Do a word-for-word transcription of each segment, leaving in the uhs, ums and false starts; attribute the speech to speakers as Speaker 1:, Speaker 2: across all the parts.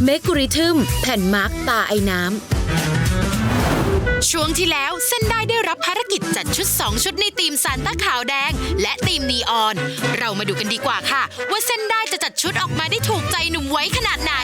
Speaker 1: เมกุริทึมแผ่นมาร์กตาไอ้น้ำช่วงที่แล้วเส้นได้ได้รับภารกิจจัดชุดสองชุดในทีมซานต้าขาวแดงและทีมนีออนเรามาดูกันดีกว่าค่ะว่าเส้นได้จะจัดชุดออกมาได้ถูกใจหนุ่มไว้ขนาดไหน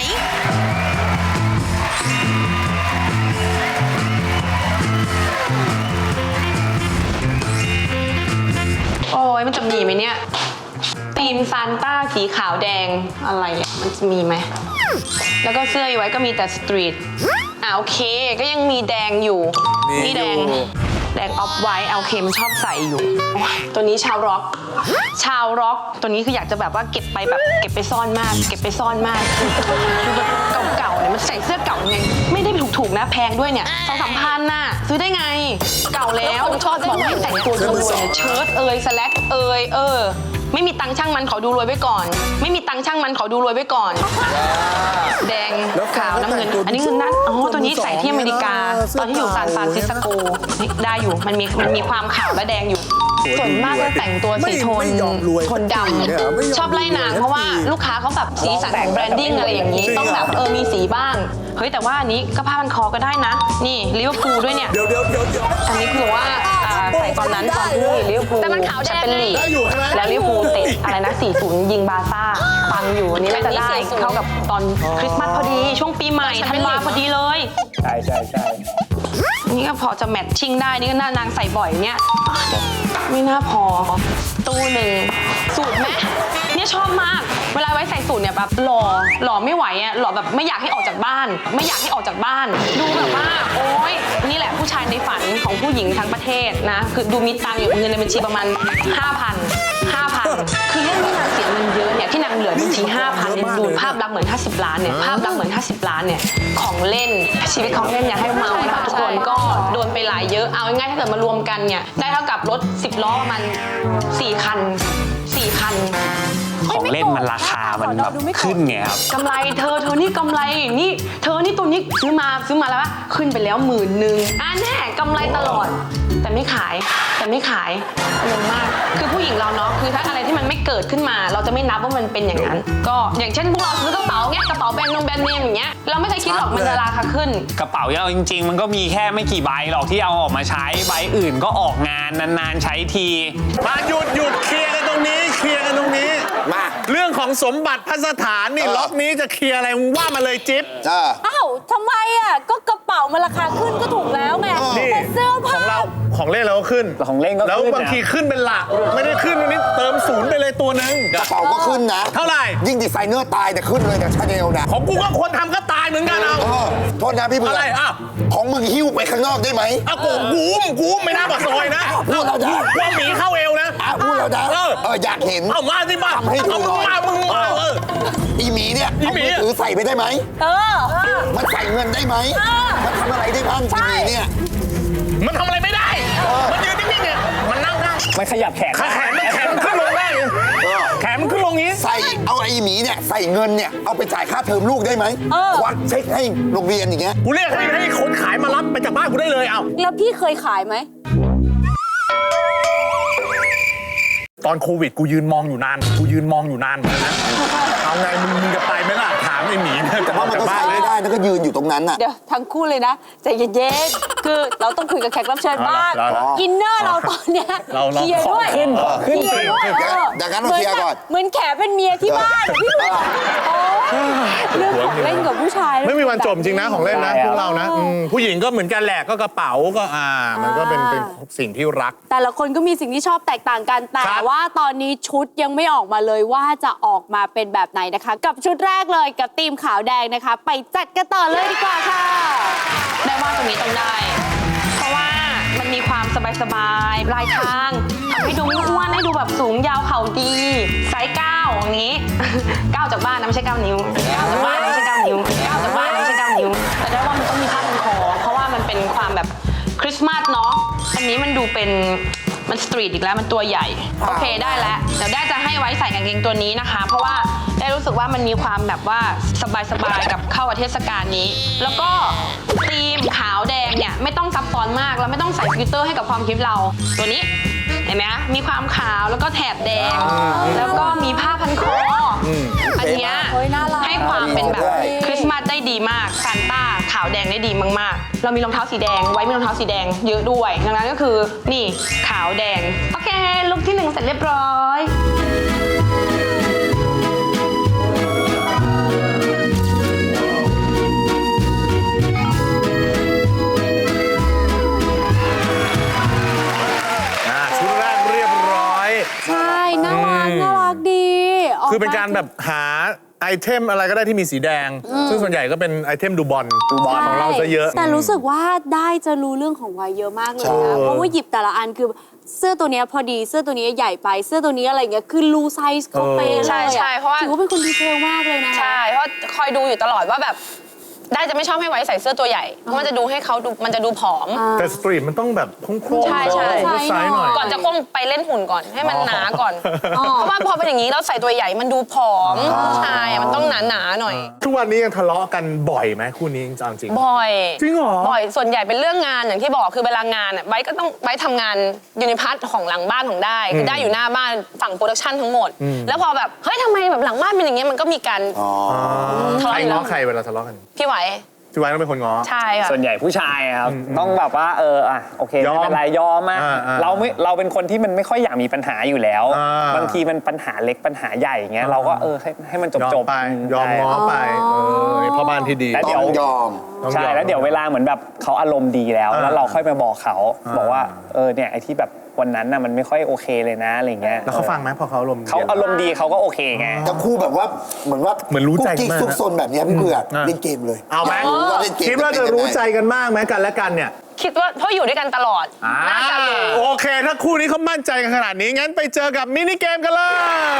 Speaker 2: โอ้ยมันจะมีไหมเนี่ยทีมซานต้าสีขาวแดงอะไรอ่ะมันจะมีไหมแล้วก็เสื้อไว้ก็มีแต่สตรีทอ่าโอเคก็ยังมีแดงอยู่นี่แดงแดงออฟไวท์โอเคมันชอบใส่อยู่ตัวนี้ชาวร็อกชาวร็อกตัวนี้คืออยากจะแบบว่าเก็บไปแบบเก็บไปซ่อนมากเก็บไปซ่อนมากคือแบบเก่าๆเนี่ยมันใส่เสื้อเก่าไงไม่ได้ถูกๆนะแพงด้วยเนี่ยสองสามพันน่ะซื้อได้ไงเก่าแล้วชอบบอกให้แต่งตัวรวยเชิ้ตเอยสแลกเอยเออไม่มีตังค์ช่างมันขอดูรวยไว้ก่อนไม่มีตังค์ช่างมันขอดูรวยไว้ก่อนแดงขาวน้ำเงินอันนี้คือนั่นอ๋อตัวนี้ใส่ที่อเมริกาตอนที่อยู่ซานฟรานซิสโกได้อยู่มันมีมันมีความขาวและแดงอยู่ส่วนมากก็แต่งตัวสีโทนโทนดำชอบไล่นางเพราะว่าลูกค้าเขาแบบสีสันของแบรนดิ้งอะไรอย่างนี้ต้องแบบเออมีสีบ้างเฮ้ยแต่ว่าอันนี้ก็ผ้าพันคอก็ได้นะนี่ลิเวอร์พูลด้วยเนี่ยเดี๋ยวเดี๋ยวเดี๋ยวอันนี้คือว่าใส่ตอนนั้นตอนที่ลิเวอร์พูลแต่มันขาวแดงเลยแล้วลิเวอร์พูลเตะอะไรนะสี่ศูนย์ยิงบาร์ซ่าปังอยู่อันนี้น่าจะได้เข้ากับตอนคริสต์มาสพอดีช่วงปีใหม่ธันวาพอดีเลย
Speaker 3: ใช่ใช่ใช่
Speaker 2: นี่ก็พอจะแมทชิ่งได้นี่ก็น่านางใส่บ่อยเนี่ยไม่น่าพอตู้หนึ่งสูตรไหมเนี่ยชอบมากเวลาไว้ใส่สูตรเนี่ยแบบหล่อหล่อไม่ไหวอ่ะหล่อแบบไม่อยากให้ออกจากบ้านไม่อยากให้ออกจากบ้านดูแบบว่าโอ๊ยนี่แหละผู้ชายในฝันของผู้หญิงทั้งประเทศนะคือดูมีตังค์อยู่เงินในบัญชีประมาณ ห้าพัน ห้าพัน คือเรื่องที่นางเสียเงินเยอะเนี่ยที่นางเหลือบัญชี ห้าพัน เนี่ยดูภาพลักษณ์เหมือนห้าสิบล้านเนี่ยภาพลักษณ์เหมือนห้าสิบล้านเนี่ยของเล่นชีวิตของเล่นอย่าให้เมานะคะทุกคนก็โดนไปหลายเยอะเอาง่ายๆถ้าเกิดมารวมกันเนี่ยได้เท่ากับรถสิบล้อประมาณสี่คันสี่คัน
Speaker 3: ของเล่นมันราคามันแบบขึ้นไงครับ
Speaker 2: กำไรเธอเธอนี่กำไรนี่เธอนี่ตัวนี้ซื้อมาซื้อมาแล้วว่าขึ้นไปแล้วหมื่นหนึ่งอ่ะแน่กำไรตลอดแต่ไม่ขายแต่ไม่ขายงงมากคือผู้หญิงเราเนาะคือถ้าอะไรที่มันไม่เกิดขึ้นมาเราจะไม่นับว่ามันเป็นอย่างนั้นก็อย่างเช่นพวกเราซื้อกระเป๋าเงี้ยกระเป๋าแบรนด์นงแบรนด์เนมอย่างเงี้ยเราไม่เคยคิดหรอกมันจะราคาขึ้น
Speaker 3: กระเป๋าเราจริงๆมันก็มีแค่ไม่กี่ใบหรอกที่เอาออกมาใช้ใบอื่นก็ออกงานนานๆใช้ทีมาหยุดหยุดเคลียร์กันตรงนี้เคลียร์กันตรงนี้มาเรื่องของสมบัติพัสถานนี่ล็อกนี้จะเคลียร์อะไรว่ามาเลยจิ๊บ
Speaker 4: อ้าวทำไมอ่ะก็กระเป๋ามันราคาขึ้นก็ถูกแล้วไงแต่เสื้อผ้า
Speaker 3: ของเราของเล่นเราก็ขึ้น
Speaker 5: ของเล่นก็ขึ้น
Speaker 3: แล้วบางทีขึ้นเป็นหลักไม่ได้ขึ้นวันนี้เติมศูนย์ไปเลยตัวนึง
Speaker 5: กระเป๋าก็ขึ้นนะ
Speaker 3: เท่าไหร่
Speaker 5: ยิ่งดีไซเนอร์ตายแต่ขึ้นเลยแต่ชาแนลนะ
Speaker 3: ของกูก็คนทำก็ตายเหมือนกันเอา
Speaker 5: โทษนะพี่เบื่อ
Speaker 3: อะไรอ่ะ
Speaker 5: ของมึงหิ้วไปข้างนอกได้ไหม
Speaker 3: อ่ะกูกูกูไม่น่าปากซอยนะ
Speaker 5: พูดเราได้
Speaker 3: ว่าหมีเข้าเอวนะ
Speaker 5: พูดเราได้เอ
Speaker 3: อ
Speaker 5: อยากเห็น
Speaker 3: เอามาสิบ้า
Speaker 5: ให้ดูหน่อย
Speaker 3: มามึงมาเออ
Speaker 5: อีหมีเนี่ยเอามือถือใส่ไปได้ไหม
Speaker 4: เออ
Speaker 5: มันใส่เงินได้ไหมมันทำอะไรได้บ้างอีหมีเนี่ย
Speaker 3: มันทำอะไรไม่ได้มันยืนนิ่งๆเนี่ยมันนั่งได้
Speaker 5: มันขยับแขน
Speaker 3: แขนมันแขนมันขึ้นลงได้แขนมันขึ้นลงนี้
Speaker 5: ใส่เอาไอ้หมีเนี่ยใส่เงินเนี่ยเอาไปจ่ายค่าเทอมลูกได้ไหมควักเช็คให้โรงเรียนอย่างเงี้ย
Speaker 3: กูเรียกให้ให้คนขายมารับไปจากบ้านกูได้เลยเอา
Speaker 4: แล้วพี่เคยขายไหม
Speaker 3: ตอนโควิดกูยืนมองอยู่นานกูยืนมองอยู่นานเหมือนกันนะเอาไงมึงมึงจะไปไหมล่ะถามไอ้หมี
Speaker 5: แต่ว่ามันก็ใส่ไม่ได้แล้วก็ยืนอยู่ตรงนั้นน่ะ
Speaker 4: เดี๋ยวทั้งคู่เลยนะใจเย็นๆคือเราต้องคุยกับแขกรับเชิญบ้างอินเนอร์เราตอนเนี้ยเคลียร์ด้วย
Speaker 5: ขึ้นขึ้น
Speaker 4: ด้วย
Speaker 5: ดังนั้นเราเคลียร์ก่อน
Speaker 4: เหมือนแขเป็นเมียที่บ้านพี่เบื่อเรื่องของเล่นกับผู้ชาย
Speaker 3: ไม่มีวันจบจริงนะของเล่นนะพวกเรานะผู้หญิงก็เหมือนกันแหละก็กระเป๋าก็อ่ามันก็เป็นเป็นสิ่งที่รัก
Speaker 4: แต่ละคนก็มีสิ่งที่ชอบแตกต่างกันแต่ว่าตอนนี้ชุดยังไม่ออกมาเลยว่าจะออกมาเป็นแบบไหนนะคะกับชุดแรกเลยกับธีมขาวแดงนะคะไปจัดกันต่อเลยดีกว่าค่ะ
Speaker 2: ได้ว่าตรงนี้ต้องได้เพราะว่ามันมีความสบายๆปลายทางทำให้ดูไม่อ้วนให้ดูแบบสูงยาวเข่าดีไซส์เก้าอย่างนี้เก้าจากบ้านนะไม่ใช่เก้านิ้วเก้าจากบ้านไม่ใช่เก้านิ้วเก้าจากบ้านไม่ใช่เก้านิ้วแต่ได้ว่ามันต้องมีผ้าพันคอเพราะว่ามันเป็นความแบบคริสต์มาสเนาะอันนี้มันดูเป็นมันสตรีทอีกแล้วมันตัวใหญ่โอเคได้แล้วเดี๋ยวได้จะให้ไว้ใส่กางเกงตัวนี้นะคะเพราะว่าได้รู้สึกว่ามันมีความแบบว่าสบายๆกับเข้ากับเทศกาลนี้แล้วก็ธีมขาวแดงเนี่ยไม่ต้องซับซ้อนมากแล้วไม่ต้องใส่ฟิลเตอร์ให้กับความคิดเราตัวนี้เห็นไหมมีความขาวแล้วก็แถบแดงแล้วก็มีผ้าพันคออันนี้ให้ความเป็นแบบ
Speaker 5: ใช่
Speaker 2: คริสต์มาสได้ดีมากซานต้าขาวแดงได้ดีมากๆ เรามีรองเท้าสีแดงไว้มีรองเท้าสีแดงเยอะด้วย ดังนั้นก็คือนี่ขาวแดง โอเค ลุคที่หนึ่งเสร็จเรียบร้อย
Speaker 6: อ่าชุดแรกเรียบร้อย
Speaker 4: ใช่ น่ารัก น่ารักดี
Speaker 6: คือเป็นการแบบหาไอเทมอะไรก็ได้ที่มีสีแดง ซึ่งส่วนใหญ่ก็เป็นไอเทมดูบอลดูบอลของเราซะเยอะ
Speaker 4: แต่รู้สึกว่าได้จะรู้เรื่องของวัยเยอะมากเลย
Speaker 6: ใช่
Speaker 4: นะ เพราะว่าหยิบแต่ละอันคือเสื้อตัวเนี้ยพอดี เสื้อตัวนี้ใหญ่ไป เสื้อตัวนี้อะไรเงี้ย คือรู้ไซส์เขาเป๊ะเลย
Speaker 2: ใช่ใช่เพราะว่า
Speaker 4: ถือว่าเป็นคนดีเทลมากเลยนะ
Speaker 2: ใช่ เพราะคอยดูอยู่ตลอดว่าแบบ ได้จะไม่ชอบให้ไว้ใส่เสื้อตัวใหญ่ เพราะมันจะดูให้เขาดูมันจะดูผอม
Speaker 6: แต่สตรีทมันต้องแบบโค้งๆ
Speaker 2: ใช่ใช่
Speaker 6: โอเวอร์ไซส์หน่อย
Speaker 2: ก่อนจะคงไปเล่นหุ่นก่อนให้มันหนาก่อน เพราะว่าพอเป็นอย่างนี้แล้วใส่ตัวใหญ่มันดูผอมผู้ชายอะมันต้องหนาหนาๆหน่อย
Speaker 6: ทุกวันนี้ยังทะเลาะกันบ่อยไหมคู่นี้จริงๆ
Speaker 2: บ่อย
Speaker 6: จริงเหรอ
Speaker 2: บ่อย ส่วนใหญ่เป็นเรื่องงานอย่างที่บอกคือเวลางานอ่ะไบร์ทก็ต้องไบร์ททำงานอยู่ในพาร์ทของหลังบ้านของได้คือได้อยู่หน้าบ้านฝั่งโปรดักชันทั้งหมด แล้วพอแบบเฮ้ยทำไมแบบหลังบ้านเป็นอย่างเงี้ยมันก็มีการ
Speaker 5: อ๋อ
Speaker 2: ทะ
Speaker 6: ใคร
Speaker 2: เลาะอยู่แล้
Speaker 6: ง้อ
Speaker 2: ว
Speaker 6: ใครเวลาทะเลาะกัน
Speaker 2: พี่ไหว
Speaker 6: พี่ไว้ต้องเป็นคนง้อ
Speaker 2: ใช่ค่ะ
Speaker 3: ส่วนใหญ่ผู้ชายอะครับต้องแบบว่าเอออ่ะโอเค
Speaker 6: ยอม
Speaker 3: ไม่เป็นไรยอมมา
Speaker 6: อ่าอ่า
Speaker 3: เราไม่เราเป็นคนที่มันไม่ค่อยอยากมีปัญหาอยู่แล้ว
Speaker 6: อ่า
Speaker 3: บางทีมันปัญหาเล็กปัญหาใหญ่อย่างเงี้ยเราก็เออให้ให้มันจบ
Speaker 6: ยอ
Speaker 3: จ
Speaker 6: ม
Speaker 3: บ
Speaker 6: ไปยอมง้อไปเออพ่อบ้านที่ดี
Speaker 3: แล้ว
Speaker 5: ต้
Speaker 3: เดี๋
Speaker 5: อ
Speaker 3: ยว
Speaker 5: งยอม
Speaker 6: ต้อง
Speaker 3: ใช่
Speaker 6: ยอม
Speaker 3: แล้วเดี๋ยวเวลาเหมือนแบบเขาอารมณ์ดีแล้ว
Speaker 6: อ่า
Speaker 3: แล้วเราค่อยมาบอกเขา
Speaker 6: อ่า
Speaker 3: บอกว่าเออเนี่ยไอ้ที่แบบวันนั้นน่ะมันไม่ค่อยโอเคเลยนะอะไรเงี้ย
Speaker 6: แล้วเขาฟังไหมพอเขาอารมณ์ดี
Speaker 3: เขาอารมณ์ดีเขาก็โอเคไง
Speaker 5: ทั้งคู่แบบว่าเหมือนว่า
Speaker 6: เหมือนรู้ใจ
Speaker 5: กุ๊กกิ๊ก
Speaker 6: มาก
Speaker 5: ซุกซนแบบเนี้ยพี่เบื่อ
Speaker 6: อ่ะ
Speaker 5: เล่นเกมเลย
Speaker 6: เอาไหม
Speaker 5: รู้ว่าเล่นเกม
Speaker 6: คิดว่าจะรู้ใจกันมากไหมกันและกันเนี่ย
Speaker 2: คิดว่าเพราะอยู่ด้วยกันตลอดน่าจะรู้
Speaker 6: โอเค ถ้าคู่นี้เขามั่นใจกันขนาดนี้ งั้นไปเจอกับมินิเกมกันเลย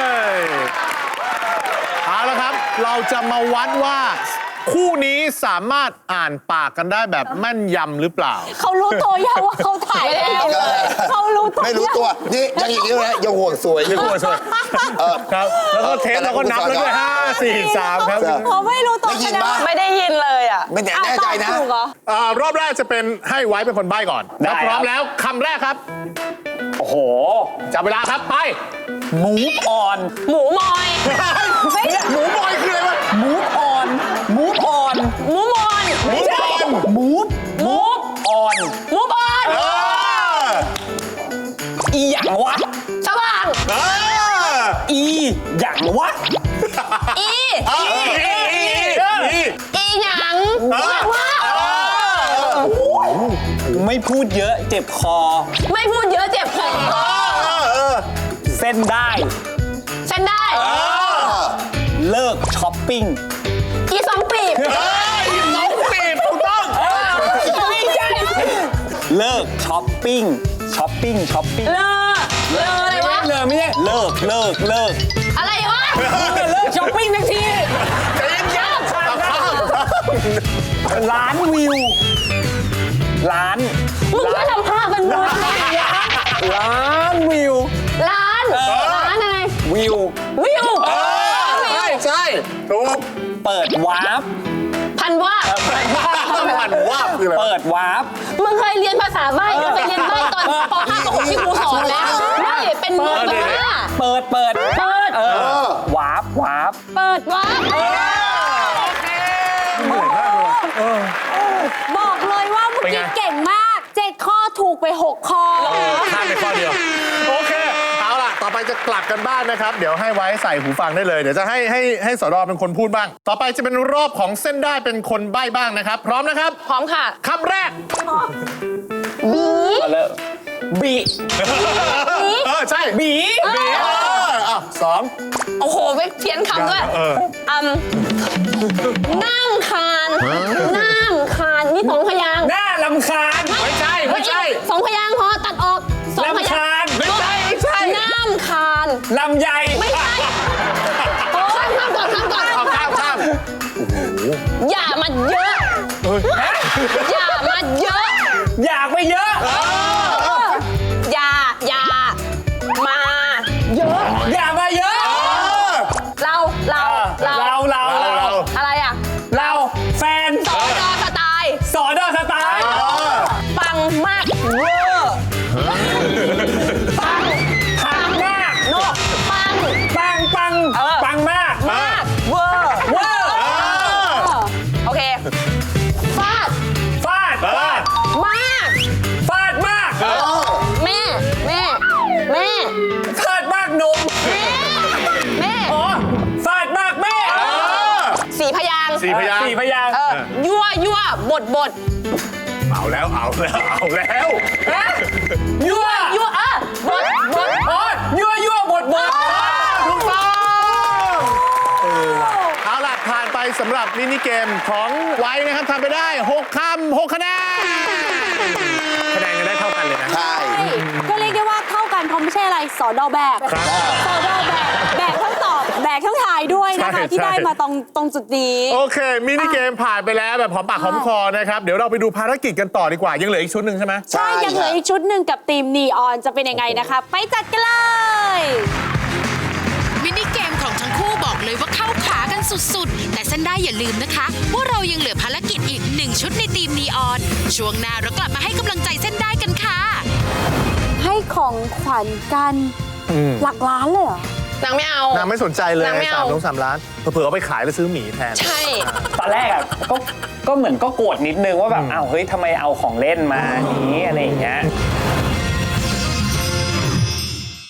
Speaker 6: เอาละครับ เราจะมาวัดว่า คู่นี้สามารถอ่านปากกันได้แบบแม่นยำหรือเปล่า
Speaker 4: เขารู้ตัวยังว่าเขาถ่ายแล้ว เขารู้ตัว
Speaker 5: ไม่รู้ตัว นี่ยังอีกนิ้วนะยังห่วงสวยยังห่วงสวยเออ
Speaker 6: ครับ แล้วก็เทปเราก็นับแล้วด้วยห้า สี่ สามครับ
Speaker 4: เขาไม่รู้ตัว
Speaker 5: ได้ยินปะ
Speaker 2: ไม่ได้ยินเลยอ่ะ
Speaker 5: ไม่แน่แน่ใจนะ
Speaker 4: ถูกเหรอ
Speaker 6: อ่ารอบแรกจะเป็นให้ไว้เป็นคนใบ้ก่อน
Speaker 3: ได้
Speaker 6: ถ้าพร้อม
Speaker 3: ครับ
Speaker 6: แล้วคำแรกครับ
Speaker 3: โอ้โห
Speaker 6: จับเวลาครับไป
Speaker 3: มูฟออน
Speaker 2: หมูมอย
Speaker 6: หมูบอยคืออะไรวะ
Speaker 3: มูฟออนมูฟออน
Speaker 2: หมูมอย
Speaker 6: หมูบอย
Speaker 3: มูฟมูฟออน
Speaker 2: หมูบอล
Speaker 6: เออ
Speaker 3: อีหยังวะ
Speaker 2: สว่าง
Speaker 6: เออ
Speaker 3: อีหยังวะ
Speaker 2: อี
Speaker 6: เอออีอีอี
Speaker 2: อีหยัง
Speaker 6: เออ
Speaker 2: ว่า
Speaker 6: เออ
Speaker 3: ไม่พูดเยอะเจ็บคอ
Speaker 2: ไม่พูดเยอะเจ็บคอ
Speaker 6: เออเออ
Speaker 3: เส้นได้
Speaker 2: ฉันได้
Speaker 3: เลิกช้อปปิ้ง
Speaker 2: อีสองปีบ
Speaker 6: เฮ้ยสองปีบถูกต้อง
Speaker 2: ไม่ใช่
Speaker 3: เลิกช้อปปิ้งช้อปปิ้งช้อปปิ้ง
Speaker 2: เลอเลออะไรวะ
Speaker 3: เลิกไม่ใช่เลิกเลิกเลิก
Speaker 2: อะไรวะ
Speaker 3: เลิกช้อปปิ้งทันที
Speaker 6: ใจเย็นๆข้ามข้าม
Speaker 3: ล้านวิวล้าน
Speaker 2: มึงช่วยทำภาพมันด้วย
Speaker 3: ล้านวิว
Speaker 2: ร้านร้านอะไร
Speaker 3: วิว
Speaker 2: วิว
Speaker 6: ใช่ใช่ถูก
Speaker 3: เปิดวาร์ป
Speaker 2: พันว่า
Speaker 6: ผ่านว่าคืออะไร
Speaker 3: เปิดวาร์ป
Speaker 2: มึงเคยเรียนภาษาใบ้ก็ไปเรียนใบ้ตอนป .ห้า ป .หก ที่ครูสอนแล้วไม่เป็นมุกบ้า
Speaker 3: เปิดเปิด
Speaker 2: เปิด
Speaker 3: เออวาร์ปวาร์ป
Speaker 2: เปิดวะ
Speaker 4: บอกเลยว่าเมื่อกี้เก่งมากเจ็ดข้อถูกไปหกข้อ
Speaker 6: ข้ามไปข้อเดียว โอเค เอาล่ะ ต่อไปจะกลับกันบ้านนะครับ เดี๋ยวให้ไว้ใส่หูฟังได้เลย เดี๋ยวจะให้ให้ให้สรเป็นคนพูดบ้าง ต่อไปจะเป็นรอบของเส้นได้เป็นคนใบ้บ้างนะครับ พร้อมนะครับ
Speaker 2: พร้อมค่ะ
Speaker 6: คำแรก
Speaker 3: มาเลยบี
Speaker 6: เออ ใช่
Speaker 3: บี
Speaker 6: บีเอออ่ะสอง
Speaker 2: โอ้โหไปเพี้ยนคำด้วย
Speaker 6: เออ
Speaker 2: อืมนั่งคานนั่งคานนี่สองพยางค์
Speaker 3: หน้าลำคาญ
Speaker 6: ไม่ใช่ ไม่ใช่
Speaker 2: สองพยางค์พอตัดออกสองพยางค์
Speaker 3: รำคาญไม่ใช่ไม่ใช่
Speaker 2: น้ำคาน
Speaker 3: ลำใหญ่
Speaker 2: ไม่ใช่โอ้ยข้ามก่อนข้ามก่อน
Speaker 6: เอาข้ามข้าม
Speaker 2: อย่ามาเยอะ อย่ามาเยอะ
Speaker 3: อยากไปเยอะ
Speaker 2: อย่า อย่า มาเยอะ
Speaker 3: อยากมาเยอะ
Speaker 2: เรา เรา เรา
Speaker 3: เราเราเรา
Speaker 2: อะไรอ่ะ
Speaker 3: เราแฟน
Speaker 2: สอดอสไตล์
Speaker 3: สอนอสไตล์
Speaker 2: ปังมากเวอร์ปัง
Speaker 3: ปังมาก
Speaker 2: โนปัง
Speaker 3: ปังปัง
Speaker 2: เออ
Speaker 3: ปังมาก
Speaker 2: มากเวอร์
Speaker 3: เวอร์
Speaker 6: อ่าสี่พยางค์
Speaker 3: สี่พยางค์
Speaker 2: เออยั่วยั่วบดบด
Speaker 6: เอาแล้วเอาแล้วเอาแล้ว
Speaker 3: ยั่ว
Speaker 2: ยั่วเออบดบด
Speaker 3: โอ๊ยยั่วยั่วบดบด
Speaker 6: ถูกต้องเอาล่ะผ่านไปสำหรับมินิเกมของไว้นะครับทำไปได้หกคำหกคะแนนคะแนนกันได้เท่ากันเลยนะ
Speaker 5: ใช่
Speaker 4: ก็เรียกได้ว่าเท่ากันเพราะไม่ใช่อะไรสอดอแบก
Speaker 6: ครับ
Speaker 4: สอดอแบกแบกทั้งตอบแบกทั้งถ่ายด้วยนะคะ
Speaker 6: ใช่
Speaker 4: ที่ได้
Speaker 6: ใช่
Speaker 4: มาตรงตรงจุดนี้
Speaker 6: โอเค มินิเกมผ่านไปแล้วแบบหอมปากหอมคอนะครับ เดี๋ยวเราไปดูภารกิจกันต่อดีกว่า ยังเหลืออีกชุดหนึ่งใช่ไหม
Speaker 4: ใช่ยังเหลืออีกชุดหนึ่งกับทีมนีออนจะเป็นยังไงนะคะ ไปจัดกันเลย
Speaker 1: มินิเกมของทั้งคู่บอกเลยว่าเข้าขากันสุดๆ แต่เส้นได้อย่าลืมนะคะ ว่าเรายังเหลือภารกิจอีกหนึ่งชุดในทีมนีออน ช่วงหน้าเรากลับมาให้กำลังใจเส้นได้กันค่ะ
Speaker 4: ให้ของขวัญกันหลักล้านเลยเหรอ
Speaker 2: นางไม่เอา
Speaker 6: นางไม่สนใจเลย
Speaker 2: นางไม่
Speaker 6: สา
Speaker 2: เอา
Speaker 6: มลงสามล้านเผื่อๆเอาไปขายแล้วซื้อหมีแทน
Speaker 2: ใช่
Speaker 3: ตอนแรกอะก็ก็เหมือนก็โกรธนิดนึงว่าแบบอ้าวเฮ้ยทำไมเอาของเล่นมานี้อะไรอย่างเงี้ย